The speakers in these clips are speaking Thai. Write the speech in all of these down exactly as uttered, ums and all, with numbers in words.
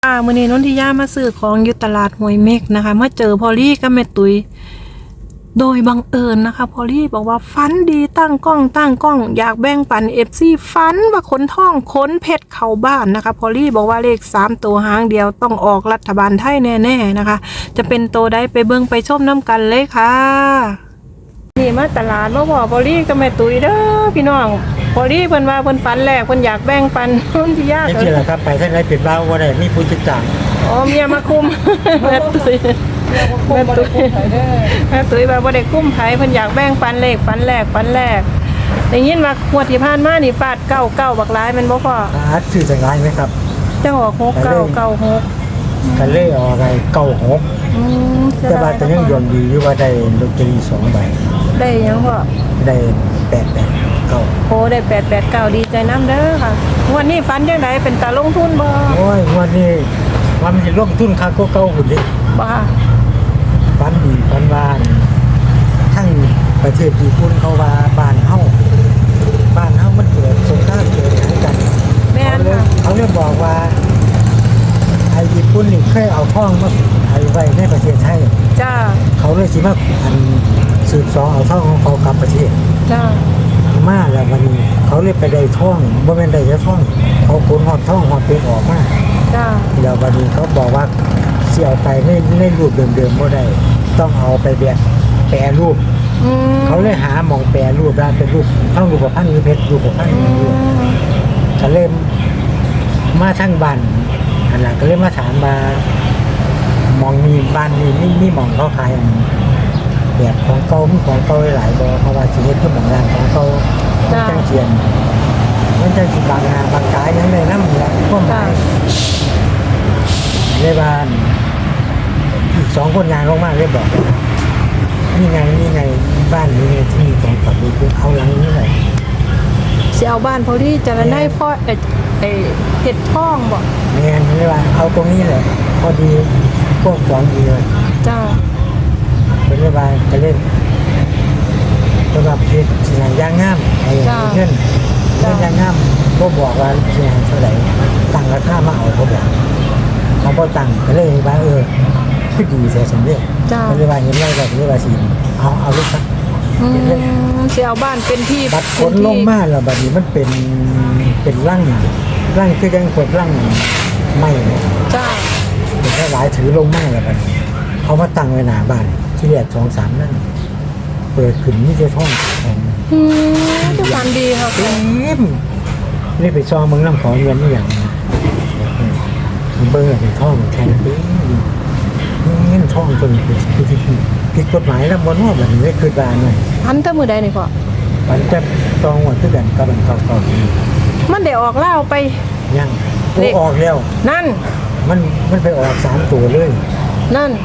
อ่ามื้อนี้นนทิยามาซื้อของอยู่ตลาดห้วยเม็กนะคะมาเจอพอลลี่กับแม่ตุ้ยโดยบังเอิญนะคะพอลลี่บอกว่าฟันดีตั้งกล้องตั้งกล้องอยากแบ่งปัน เอฟ ซี ฟันว่าขนทองขนเพชรเข้าบ้านนะคะพอลลี่บอกว่าเลขสามตัวหางเดียวต้องออกรัฐบาลไทยแน่ๆนะคะจะเป็นตัวใดไปเบิ่งไปชมน้ำกันเลยค่ะนี่มาตลาดมาบอกพอลลี่กับแม่ตุ้ยเด้อพี่น้องพอลลี่เพิ่นว่าเพิ่นฝันแรกเพิ่นอยากแบ่งปันนนทิยาไม่ใช่หรอกครับไปท่านไรเป็นบ้าว่าได้มีผู้จัดการอ๋อเมียมาคุมแม่ตุ้ยแม่ตุ้ยแม่ตุ้ยว่าบ่ได้คุ้มไผเพิ่นอยากแบ่งปันเลขปันแรกปันแรกได้ยินว่างวดที่ผ่านมานี่ฟาดเก้าเก้าบักหลายแม่นบ่พ่ออาร์ตชื่อจังไรไหมครับจังออกหกเก้าเก้าหกกันเล่ออะไรเก้าหกอืมแต่ว่าแต่ยังยนดีอยู่ว่าได้ลอตเตอรี่สองใบได้หยังพ่อได้แปดแปดเก้าโอ้ได้แปดแปดเก้าดีใจนำเด้อค่ะงวดนี้ฝันจังไดเป็นตาลงทุนบ่โอ้ยวันนี้วันมันจะลงทุนค่าก็เก้าหุ่นดิบ่ฟันดีฟันวานทั้งประเทศญี่ปุ่นเขาว่าบ้านเฮาบ้านเฮามันเกิดสงครามเกิดอะไรกันแม่นเขาเลยค่ะเขาเลยบอกว่าไอ้ญี่ปุ่นนี่เคยเอาท่องมาไอ้ไว้ในประเทศไทยจ้าเขาเลยสิมาอันสืบสอเอาท่องของเขากลับประเทศจ้ามาแล้ววันนี้เขาเลยไปได้ท่องบ่แม่นได้แค่ท่องเขาขนหอดท่องหอดเป็นออกมาจ้าแล้ววันนี้เขาบอกว่าสิเอาไปในในรูปเดิมๆบ่ได้ต้องเอาไปแบบแปรรูปอืมเขาเลยหาหม่องแปรรูปได้เป็นรูปท่องรูปพันธ์หรือเพชรรูปพันธ์อย่างนี้ก็เลยมาทั้งบ้านอันนั้นก็เลยมาถามมาหมองมีบ้านมีมีมีหม่องเขาขายอันแบบของเก่ามีของเก่าหลายบ่เพราะว่าสิเฮ็ดคือหม่องร้านของเก่ามันจังเจียนมันจังสิบางงานบางกายยังได้นำแหละพวกหมายในบ้านอีกสองคนงานลงมาเลยบอกว่านี่ไงนี่ไงบ้านนี้ไงที่มีของฝันดีเอาหลังนี้เลยสิเอาบ้านพอดีจะได้พ่อเอ้ไอ้เฮ็ดทองบ่แม่นเลยว่าเอาตรงนี้เลยพอดีพวกของดีเลยจ้าเป็นเรื่องอะไรไปเล่นสำหรับเพชรสิ่งย่างงามไอ้เงินเงินย่างงามก็บอกว่าสิ่งเท่าไหร่ตั้งราคามาเอาเขาบอกเขาพอตั้งก็เลยว่าเออคือดีเสียสมเด็จจ้าก็เลยว่าเห็นไรแบบนี้ว่าสิเอาเอาลูกครับอืมสิเอาบ้านเป็นที่บัดขนลงมาแล้วบัดนี้มันเป็นเป็นร่างร่างคือยังขดร่างไม่เนี่ยจ้าเป็นแค่หลายถือลงมาแล้วบัดนี้เขามาตั้งไว้หน้าบ้านที่แรกสองสามนั่นเปิดขึ้นนี่จะท่องของอืมทุกวันดีค่ะเต็มนี่ไปซองเมืองน้ำของเงินนี่อย่างนี้เบอร์เป็นท่องแข็งปีเงินท่องจนผิดผิดกฎหมายแล้วบนว่าแบบนี้ไม่คือบานเลยพันแต่มือใดนี่พ่อมันจะจองหมดทุกอย่างกับมันเก่ามันได้ออกเล่าวไปๆยังโอ้ออกแล้วนั่นมันมันไปออกสามตัวเลยนั่น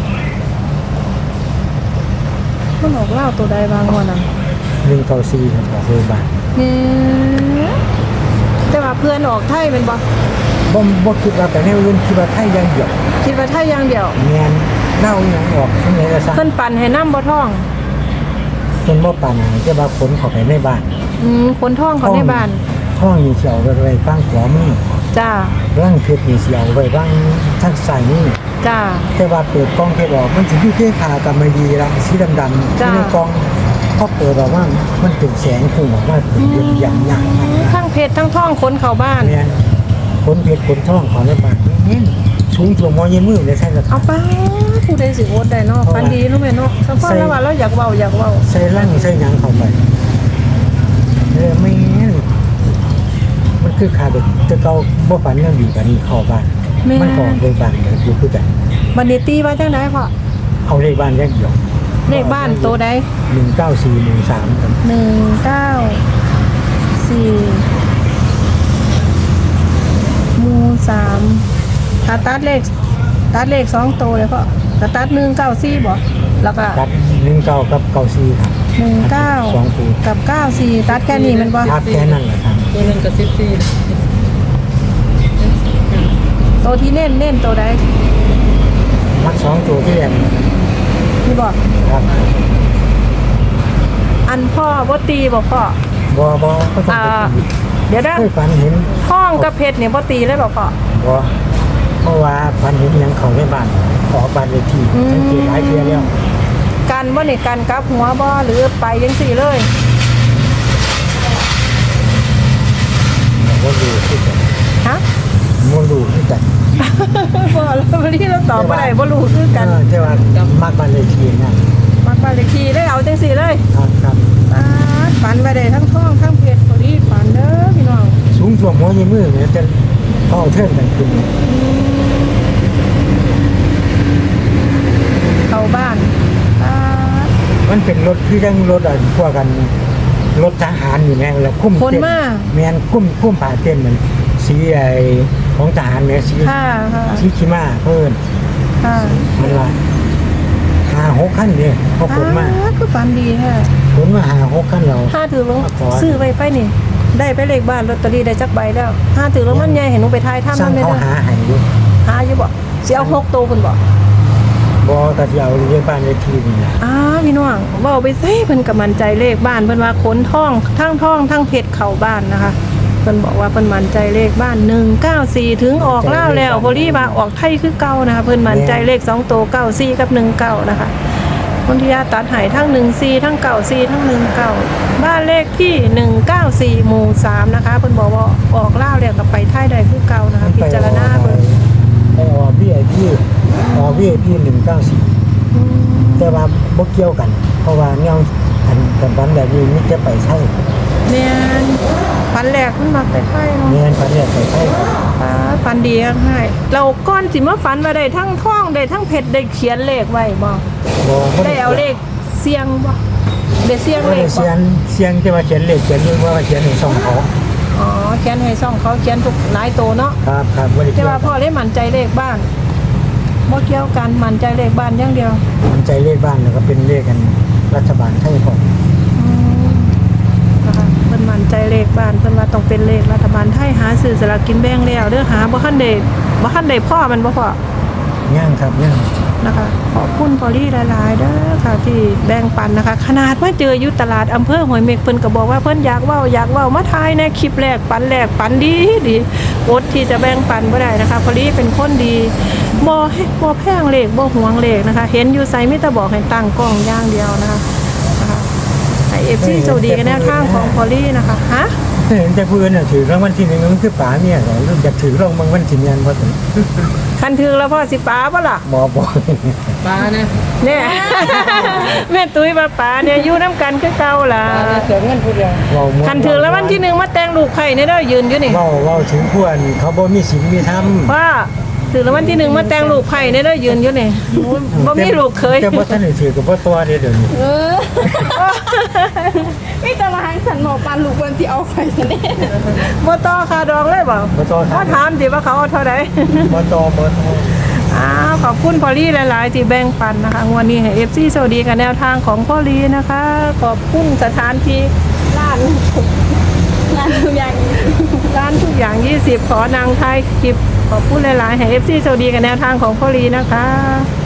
มันออกเล่าวตัวใดบางวันนั้นหนึ่งเก้าสี่ออกเลยบาทเนี่ยแต่ว่าเพื่อนออกไทยเป็นบ่บ่บ่คิดว่าไปแนวอื่นคิดว่าไทยยังเดียวคิดว่าไทยอย่างเดียวแมนเน่าอย่างออกทั้งไหนก็ซะเพิ่นปั่นให้น้ำบ่ท่องคนบ่ปานไหนจะว่าขนเข้าไปในบ้านอืมคนท่องเขาในบ้านห้องนี่เสียวไว้ไว้บ้างขวามือจ้าร่างเพชรนี่เสียวไว้บ้างทางซ้ายมือจ้าแต่ว่าเปิดกล้องเพชรออกมันสิอยู่ที่ขากำมะหยี่ละสีดำๆจ้ะที่ในกล้องพอเปิดออกมามันเป็นแสงพุ่งออกมาเป็นเรื่องอย่างใหญ่ทั้งเพชรทั้งท่องคนเข้าบ้านแม่นขนเพชรขนทองของในบ้านนี่สูงตัวมอยี่มือเลยใช่ไหมเอาไปผู้ใดสิโอดได้เนาะฟันดีเนาะแม่เนาะสักพักแล้วว่าเราอยากเว้าอยากเว้าใส่ร่างใส่หยังเข้าไปเออไม่งั้นมันคือขาดจะเก่าบ่ฝันเรื่องอยู่กันนี่เข้าบ้านแม่มันก็เลยบ้านเดี๋ยวอยู่คือกันบัดนี้ตีว่าจังไดพ่อเอาเลขบ้านแยกเดียวเลขบ้านโตใดหนึ่งเก้าสี่หนึ่งสามครับหนึ่งเก้าสี่หมู่สามถ้าตัดเลขตัดเลขสองโตเลยพ่อถ้าตัดหนึ่งเก้าสี่บ่แล้วก็ตัดหนึ่งเก้ากับเก้าสี่ครับหนึ่งเก้าสองคู่กับเก้าสี่ตัดแค่นี้มันบ่ครับแค่นั้นแหละครับตัวนึงกับสิบสี่โตที่เน้นเน้นโตใดมักสองตัวที่แรกนี่บอกครับอันพ่อบ่ตีบ่พ่อบอบอก็ต้องอ่าไปตีเดี๋ยวนะเคยฝันเห็นท่องกับเพชรเนี่ยบ่ตีเลยบ่พ่อบอเพราะว่าพันเห็นหยังเขาในบ้านขอบ้านเลขที่สังเกตหลายเทื่อแล้วกันบ่นี่กันกลับหัวบ่หรือไปจังซี่เลยบ่รู้คือกันฮะบ่รู้คือกันบ่แล้ววันนี้เราตอบบ่ได้บ่รู้คือกันเออแต่ว่ามักบ้านเลขที่นะมักบ้านเลขที่เลยเอาจังซี่เลยครับครับป๊าดฝันไปได้ทั้งท้องทั้งเพชรพอดีฝันเด้อพี่น้องสูงท่วมหัวยี่มือเนี่ยจะเข้าเทิงกันขึ้นเข้าบ้านป๊าดมันเป็นรถคือจังรถอ่ะพวกกันรถทหารอยู่แม่งแล้วคุ้มคนเต้นมาแม่นคุ้มคุ้มผ่าเต้นเหมือนสีไอ้ของทหารเนี่ยสีค่ะค่ะสีขีม้าเพิ่นค่ะมันละหาหกขั้นเนี่ยเขาขนมาป๊ดคือฝันดีแท้ขนมาหาหกขั้นเราห้าถือลงขอซื้อไปไปนี่ ได้ไปเลขบ้านลอตเตอรี่ได้จักใบแล้วห้าถือลงมันใหญ่เห็นหนูไปทายถ้ำสร้านั่งนเลยเขานะหาให้อยู่หาอยู่บ่สิเอาหกตัวคุณบ่บ่ก็สิเอาเรียกบ้านเลขที่นี่นะอ้าพี่น้องเว้าไปเซ่เพิ่นก็มั่นใจเลขบ้านเพิ่นว่าขนท่องทั้งท่องทั้งเพชรเข้าบ้านนะคะเพิ่นบอกว่าเพิ่นมั่นใจเลขบ้านหนึ่งเก้าสี่ถึงออกแล้วแล้วพอดีว่าออกไทยคือเก่านะคะเพิ่นมั่นใจเลขสองตัวเก้าสี่กับหนึ่งเก้านะคะคนที่ยาตัดใหายทั้งหนึ่งสี่ทั้งเก้าสี่ทั้งหนึ่งเก้าบ้านเลขที่หนึ่งเก้าสี่หมู่สามนะคะเพิ่นบอกว่าออกแล้วแล้วก็ไปไทยได้คือเก่านะคะพิจารณาเบิ่งไปออพี่ไอพี่ออพี่ไอพี่หนึ่งเก้าสี่อืมแต่ว่าบ่เกี่ยวกัน เพราะว่าแนวอันกันบันแบบนี้นี่จะไปใช่แม่นฝันแรกขึ้นมาไปไทยเนาะเนียนพันเนี่ยไปใช่ฟ้าฟันดีให้เราก้อนสิมาฟันมาได้ทั้งท่องได้ทั้งเพชรได้เขียนเลขไว้บ่บ่บ่ได้เอาเลขเสียงบ่ได้เสียงบ่เลได้ขบ่เสียงเสียงจะมาเขียนเลขเขียนเรื่องว่าเขียนในช่องเขาอ๋อเขียนให้ซ่องเขาเขียนทุกหลายโตเนาะครับครับบ่ได้แต่เกี่ยวว่าพ่อเลยมั่นใจเลขบ้านบ่เกี่ยวกันมั่นใจเลขบ้านอย่างเดียวมันใจเลขบ้านแล้วก็เป็นเลขกันรัฐบาลไทยพออืมนะคะเพิ่นมั่นใจเลขบ้านเพิ่นว่าต้องเป็นเลขรัฐบาลไทยหาซื้อสลากกินแบ่งแล้วเด้อหาบ่ทันได้บ่ทันได้พ่อมันบ่พ่อย่างครับย่างนะคะขอบคุณพอลี่หลายๆเด้อค่ะที่แบ่งปันนะคะ ขนาดว่าเจออยู่ตลาดอำเภอห้วยเม็กเพิ่นก็บอกว่าเพิ่นอยากเว้าอยากเว้ามาทายในคลิปแรกปันแรกปันดีดีอดที่จะแบ่งปันบ่ได้นะคะพอลี่เป็นคนดีบ่ให้บ่แพงเลขบ่หวงเลขนะคะ เห็นอยู่ไสมีแต่บอกให้ตั้งกล้องอย่างเดียวนะคะนะคะให้ เอฟ ซี โชคดีกันแนวทางของพอลี่นะคะฮะเห็นแต่ผู้อื่นน่ะถือรางวัลที่หนึ่งมันคือป๋าเนี่ยเหรออยากถือรางวัลที่หนึ่งบ่ถึงคันถึงแล้วพ่อสิป๋าบ่ล่ะบ่บ่ปลานะเนี่ย แม่ตุ้ยป้าป๋าเนี่ยอยู่น้ำกันคือเก่าล่ะเสียเงินผู้เดียวเว้าม่วคันถือแล้ววันที่หนึ่งมาแต่งลูกไข่เนี่ยเด้อยืนอยู่นี่เว้าเว้าถึงผู้อันเขาบ่มีศีลมีธรรมว่าถือแล้ววันที่หนึ่งมาแต่งลูกไข่เนี่ยเด้อยืนอยู่นี่บ่มีลูกเคยแต่บ่ทันได้ถือกับบ่ตัวเด้อเดี๋ยวนี้เออไม่ตารางสันหมอปันลูกบนที่เอาไฟซะแน่บ่ต่อคาดองเลยบ่บ่ตัวเขาถามสิว่าเขาเอาเท่าใดบ่ตัวบ่ตัวอ้าวขอบคุณพอลี่หลาย ๆ ที่แบ่งปันนะคะงวันนี้ให้ เอฟ ซี สวัสดีกับแนวทางของพ่อลีนะคะ ขอบคุณสถานที่ร้านงานทุกอย่างร้านทุกอย่างยี่สิบขอนางไทยคลิปขอบคุณหลาย ๆ ให้ เอฟ ซี สวัสดีกับแนวทางของพ่อลีนะคะ